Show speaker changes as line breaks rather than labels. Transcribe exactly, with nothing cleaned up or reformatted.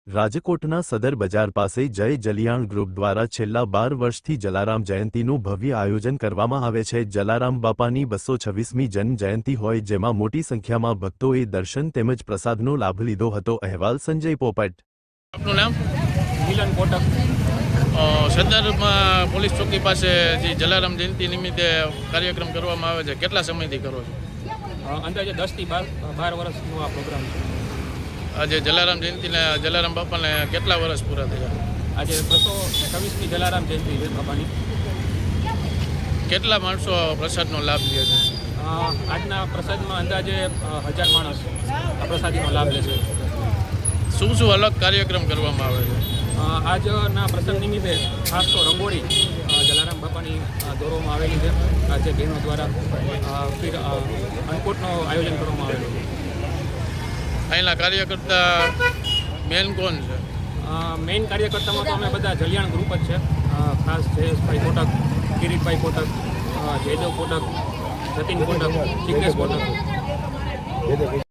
રાજકોટના સદર બજાર પાસે જય જલિયાણ ગ્રુપ દ્વારા છેલ્લા બાર વર્ષથી જલારામ જયંતીનું ભવ્ય આયોજન કરવામાં આવે છે। જલારામ બાપાની બસો છવ્વીસમી જન્મ જયંતી હોય જેમાં મોટી સંખ્યામાં ભક્તોએ દર્શન તેમજ પ્રસાદનો લાભ લીધો હતો। અહેવાલ સંજય પોપટ।
આપનું નામ?
મિલન કોટક।
સદરમાં પોલીસ ચોકી પાસે જે જલારામ જયંતિ નિમિત્તે કાર્યક્રમ કરવામાં આવે છે, કેટલા સમયથી કરો છો?
અંદાજે દસથી બાર બાર વર્ષનો આ પ્રોગ્રામ છે।
આજે જલારામ જયંતિને જલારામ બાપાને કેટલા વર્ષ પૂરા થયા?
આજે બસો છવ્વીસમી જલારામ જયંતિ છે બાપાની।
કેટલા માણસો પ્રસાદનો લાભ લે છે?
આજના પ્રસાદમાં અંદાજે હજાર માણસ આ પ્રસાદીનો લાભ લે છે।
શું શું અલગ કાર્યક્રમ કરવામાં આવે છે?
આજના પ્રસંગ નિમિત્તે ખાસ તો રંગોળી જલારામ બાપાની દોરવામાં આવેલી છે। આજે બહેનો દ્વારા ફિર અન્નકૂટનું આયોજન કરવામાં આવેલું છે।
અહીંના કાર્યકર્તા મેન કોણ છે?
મેઇન કાર્યકર્તામાં તો અમે બધા જલિયાણ ગ્રુપ જ છે। ખાસ જયેશભાઈ કોટક, કિરીટભાઈ કોટક, જયદેવ કોટક, જતીન કોટક, જિગ્નેશ કોટક।